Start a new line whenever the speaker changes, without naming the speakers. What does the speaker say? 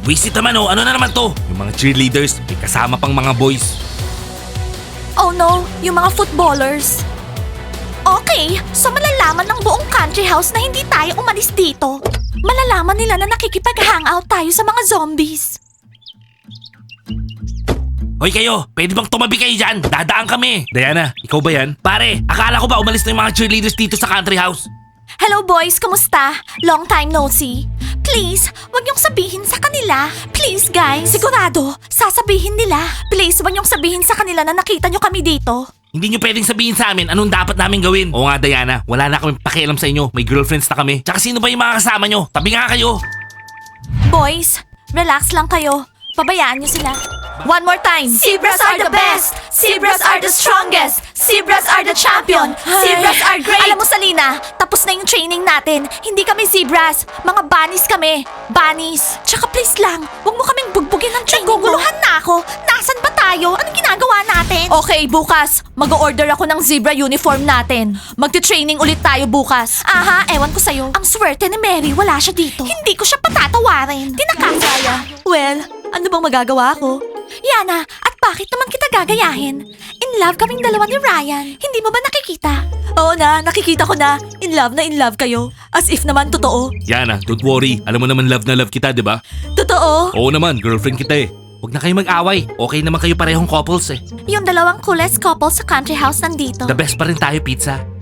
Visit naman oh, ano na naman to? Yung mga cheerleaders, may kasama pang mga boys.
Oh no, yung mga footballers. Okay, so malalaman ng buong country house na hindi tayo umalis dito. Malalaman nila na nakikipag-hangout tayo sa mga zombies.
Hoy kayo, pwede bang tumabi kayo dyan? Dadaan kami. Diana, ikaw ba yan? Pare, akala ko ba umalis na yung mga cheerleaders dito sa country house?
Hello boys, kumusta? Long time no see. Please, wag niyong sabihin sa kanila. Please guys. Sigurado, sasabihin nila. Please, wag niyong sabihin sa kanila na nakita niyo kami dito.
Hindi nyo pwedeng sabihin sa amin anong dapat namin gawin. Oo nga Diana, wala na kami pakialam sa inyo. May girlfriends na kami. Tsaka sino ba yung mga kasama nyo? Tabi nga kayo.
Boys, relax lang kayo. Pabayaan niyo sila. One more time. Zebras are the best. Zebras are the strongest. Zebras are the champion. Zebras are great. Alam mo Salina, tapos na yung training natin. Hindi kami zebras. Mga bunnies kami. Bunnies. Tsaka please lang, huwag mo kaming bugbugin ng training mo. Naguguluhan na ako. Nasaan ba tayo? Anong ginagawa natin? Okay, bukas. Mag-order ako ng zebra uniform natin. Magti-training ulit tayo bukas. Aha, ewan ko sa'yo. Ang swerte ni Mary, wala siya dito. Hindi ko siya patatawarin. Tinakasaya. Well, ano bang magagawa ko? Yana, at bakit naman kita gagayahin? In love kaming dalawa ni Ryan. Hindi mo ba nakikita? Oo na, nakikita ko na. In love kayo. As if naman totoo.
Yana, don't worry. Alam mo naman love na love kita, di ba?
Totoo?
Oo naman, girlfriend kita eh. Huwag na kayo mag-away. Okay naman kayo parehong couples eh.
Yung dalawang coolest couple sa country house nandito.
The best pa rin tayo, Pizza.